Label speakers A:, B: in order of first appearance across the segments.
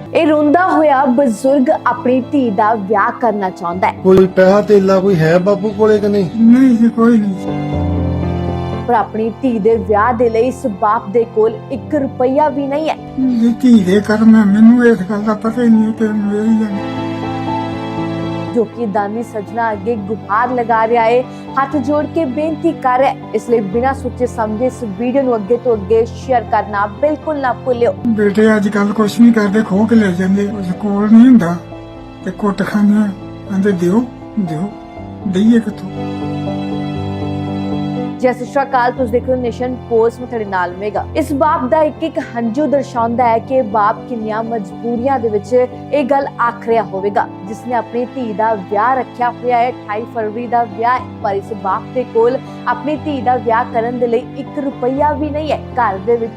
A: ਇਹ ਰੋਂਦਾ ਹੋਇਆ ਬਜ਼ੁਰਗ ਆਪਣੀ ਧੀ ਦਾ ਵਿਆਹ ਕਰਨਾ ਚਾਹੁੰਦਾ ਹੈ।
B: ਕੋਈ ਪੈਸਾ ਧੇਲਾ ਕੋਈ ਹੈ ਬਾਪੂ ਕੋਲੇ ਕਿ ਨਹੀਂ?
C: ਨਹੀਂ ਜੀ, ਕੋਈ ਨਹੀਂ।
A: ਪਰ ਆਪਣੀ ਧੀ ਦੇ ਵਿਆਹ ਦੇ ਲਈ ਇਸ ਬਾਪ ਦੇ ਕੋਲ 1 ਰੁਪਈਆ ਵੀ ਨਹੀਂ ਹੈ।
C: ਜੀ ਧੀ ਦੇ ਕਰਮ ਹੈ, ਮੈਨੂੰ ਇਸ ਗੱਲ ਦਾ ਪਤਾ ਹੀ ਨਹੀਂ ਕਿ ਮੇਰੀ ਜਾਨ
A: ਜੋ ਕਿ ਦਾਨੀ ਸੱਜਣਾ ਅੱਗੇ ਗੁਹਾਰ ਲਗਾ ਰਿਹਾ ਹੈ, ਹੱਥ ਜੋੜ ਕੇ ਬੇਨਤੀ ਕਰ ਰਿਹਾ ਹੈ। ਇਸ ਲਈ ਬਿਨਾਂ ਸੋਚੇ ਸਮਝੇ ਇਸ ਵੀਡੀਓ ਨੂੰ ਅੱਗੇ ਤੋਂ ਅੱਗੇ ਸ਼ੇਅਰ ਕਰਨਾ ਬਿਲਕੁਲ ਨਾ ਭੁੱਲਿਓ।
C: ਬੇਟੇ ਅੱਜ ਕੱਲ ਕੁਛ ਨਹੀਂ ਕਰਦੇ, ਖੋਹ ਕੇ ਲੈ ਜਾਂਦੇ। ਉਸ ਕੋਲ ਨਹੀਂ ਹੁੰਦਾ ਤੇ ਕੁੱਟ ਖਾਂਦੇ, ਕਹਿੰਦੇ ਦਿਓ ਦਿਓ, ਦਈਏ ਕਿੱਥੋਂ।
A: ਜੈ ਸਤਿ ਸ਼੍ਰੀ ਅਕਾਲ, ਤੁਸੀਂ ਦੇਖ ਰਹੇ ਹੋ ਨੇਸ਼ਨ ਪੋਸਟ ਮੈਂ ਤੁਹਾਡੇ ਨਾਲ ਮੇਗਾ। ਇਸ ਬਾਪ ਦਾ ਇੱਕ ਹੰਝੂ ਦਰਸਾਉਂਦਾ ਹੈ ਕਿ ਬਾਪ ਕਿੰਨੀਆਂ ਮਜਬੂਰੀਆਂ ਦੇ ਵਿੱਚ ਇਹ ਗੱਲ ਆਖ ਰਿਹਾ ਹੋਵੇਗਾ, ਜਿਸਨੇ ਆਪਣੀ ਧੀ ਦਾ ਵਿਆਹ ਰੱਖਿਆ ਹੋਇਆ ਹੈ। 28 ਫਰਵਰੀ ਦਾ ਵਿਆਹ ਹੈ, ਪਰ ਇਸ ਬਾਪ ਦੇ ਕੋਲ ਆਪਣੀ ਧੀ ਦਾ ਵਿਆਹ ਕਰਨ ਦੇ ਲਈ 1 ਰੁਪਈਆ ਵੀ ਨਹੀਂ ਹੈ। ਘਰ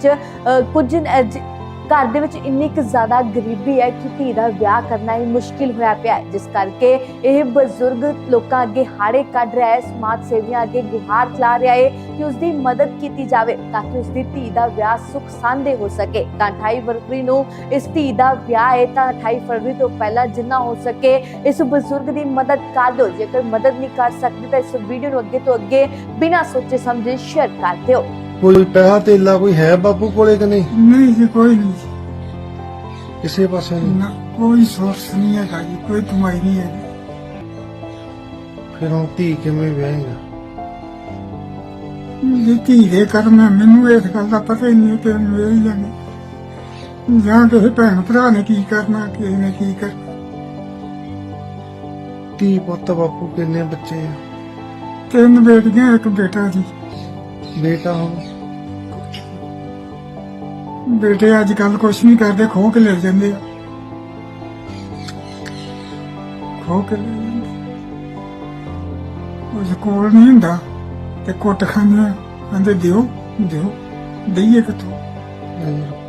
A: ਦੇ ਵਿੱਚ ਇੰਨੀ ਕੁ ਜ਼ਿਆਦਾ ਗਰੀਬੀ ਹੈ ਕਿ ਧੀ ਦਾ ਵਿਆਹ ਕਰਨਾ ਹੀ ਮੁਸ਼ਕਿਲ ਹੋਇਆ ਪਿਆ ਹੈ, ਜਿਸ ਕਰਕੇ ਇਹ ਬਜ਼ੁਰਗ ਲੋਕਾਂ ਅੱਗੇ ਹਾੜੇ ਕੱਢ ਰਿਹਾ ਹੈ, ਸਮਾਜ ਸੇਵੀਆਂ ਅੱਗੇ ਗੁਹਾਰ ਚਲਾ ਰਿਹਾ ਹੈ ਕਿ ਉਸ ਦੀ ਮਦਦ ਕੀਤੀ ਜਾਵੇ ਤਾਂ ਕਿ ਉਸ ਦੀ ਧੀ ਦਾ ਵਿਆਹ ਸੁਖ ਸਾਂਦੇ ਹੋ ਸਕੇ। ਤਾਂ 28 ਫਰਵਰੀ ਨੂੰ ਇਸ ਧੀ ਦਾ ਵਿਆਹ ਹੈ, ਤਾਂ 28 ਫਰਵਰੀ ਤੋਂ ਪਹਿਲਾਂ ਜਿੰਨਾ ਹੋ ਸਕੇ ਇਸ ਬਜ਼ੁਰਗ ਦੀ ਮਦਦ ਕਰ ਦਿਓ। ਜੇਕਰ ਮਦਦ ਨਹੀਂ ਕਰ ਸਕਦੇ ਤਾਂ ਇਸ ਵੀਡੀਓ ਨੂੰ ਅੱਗੇ ਤੋਂ ਅੱਗੇ ਬਿਨਾਂ ਸੋਚੇ ਸਮਝੇ ਸ਼ੇਅਰ ਕਰ ਦਿਓ।
B: ਕੋਈ ਪੈਸਾ ਧੇਲਾ ਕੋਈ ਹੈ ਬਾਪੂ ਕੋਲੇ ਕਿ ਨਹੀਂ?
C: ਨਹੀਂ ਜੀ, ਕੋਈ ਨਹੀਂ।
B: ਕਿਸੇ ਪਾਸੇ ਨਹੀਂ?
C: ਨਾ ਕੋਈ ਸੋਰਸ ਨਹੀਂ ਹੈਗਾ ਜੀ, ਕੋਈ ਕਮਾਈ ਨਹੀਂ ਹੈ।
B: ਫਿਰ ਹੁਣ ਧੀ ਕਿਵੇਂ ਵਿਆਹੇਗਾ?
C: ਜੀ ਧੀ ਦੇ ਕਰਮ ਹੈ, ਮੈਨੂੰ ਇਸ ਗੱਲ ਦਾ ਪਤਾ ਹੀ ਨਹੀਂ ਕਿ ਮੇਰੀ ਜਾਨ ਜਾਂ ਕਿਸੇ ਭੈਣ ਭਰਾ ਨੇ ਕੀ ਕਰਨਾ, ਕਿਸੇ ਨੇ ਕੀ ਕਰਨਾ।
B: ਧੀ ਪੁੱਤ ਬਾਪੂ ਕਿੰਨੇ ਬੱਚੇ ਆ?
C: 3 ਬੇਟੀਆਂ, 1 ਬੇਟਾ ਜੀ।
B: ਬੇਟਾ ਹੁਣ
C: ਬੇਟੇ ਅੱਜ ਕੱਲ ਕੁਛ ਨਹੀਂ ਕਰਦੇ, ਖੋਹ ਕੇ ਲੈ ਜਾਂਦੇ ਆ, ਖੋਹ ਕੇ ਲੈ ਜਾਂਦੇ। ਉਸ ਕੋਲ ਨਹੀਂ ਹੁੰਦਾ ਤੇ ਕੁੱਟ ਖਾਂਦੇ, ਕਹਿੰਦੇ ਦਿਓ ਦਿਓ, ਦਈਏ ਕਿੱਥੋਂ।